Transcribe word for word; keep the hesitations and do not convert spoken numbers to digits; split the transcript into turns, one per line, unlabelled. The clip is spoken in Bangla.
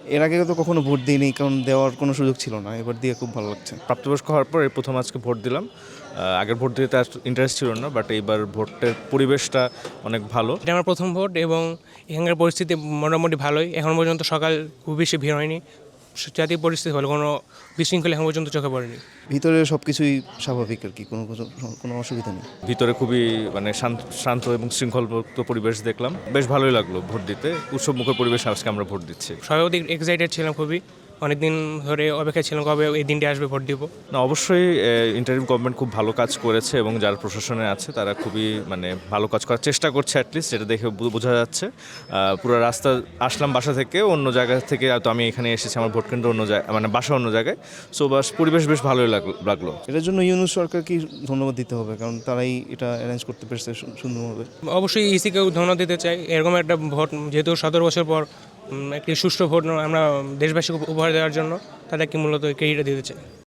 এর আগে তো কখনো ভোট দিইনি, কারণ দেওয়ার কোনো সুযোগ ছিল না। এবার দিয়ে খুব ভালো লাগছে।
প্রাপ্তবয়স্ক হওয়ার পর এই প্রথম আজকে ভোট দিলাম। আহ, আগের ভোট দিতে আর ইন্টারেস্ট ছিল না, বাট এইবার ভোটের পরিবেশটা অনেক ভালো।
এটা আমার প্রথম ভোট এবং এখানকার পরিস্থিতি মোটামুটি ভালোই। এখন পর্যন্ত সকাল খুব বেশি ভিড় হয়নি, জাতীয় পরিস্থিতি ভালো, কোনো বিশৃঙ্খলা এখন পর্যন্ত চোখে পড়েনি।
ভিতরে সব কিছুই স্বাভাবিক আর কি, কোনো কিছু- কোনো অসুবিধা নেই।
ভিতরে খুবই মানে শান্ত শান্ত এবং শৃঙ্খলমুক্ত পরিবেশ দেখলাম, বেশ ভালোই লাগলো ভোট দিতে। উৎসবমুখর পরিবেশ আজকে আমরা ভোট দিচ্ছি।
সর্বাধিক এক্সাইটেড ছিলাম, খুবই অনেকদিন ধরে অপেক্ষা ছিলাম কবে এই দিনটি আসবে ভোট দিব।
না, অবশ্যই ইন্টারিম গভর্নমেন্ট খুব ভালো কাজ করেছে এবং যারা প্রশাসনে আছে তারা খুবই মানে ভালো কাজ করার চেষ্টা করছে, অ্যাটলিস্ট যেটা দেখে বু- বোঝা যাচ্ছে। আহ, পুরো রাস্তা আসলাম বাসা থেকে, অন্য জায়গা থেকে তো আমি এখানে এসেছি, আমার ভোট কেন্দ্র অন্য জায়গায়, মানে বাসা অন্য জায়গায়। সো বাস পরিবেশ বেশ ভালোই লাগ- লাগলো।
এটার জন্য ইউনুস সরকারকে ধন্যবাদ দিতে হবে, কারণ তারাই এটা অ্যারেঞ্জ করতে পেরেছে সু- সুন্দরভাবে।
অবশ্যই ইসিকেও ধন্যবাদ দিতে চাই, এরকম একটা ভোট যেহেতু সতেরো বছর পর উম, একটি সুষ্ঠু ভোট আমরা দেশবাসীকে উপহার দেওয়ার জন্য তাদেরকে মূলত ক্রেডিট দিতে চাই।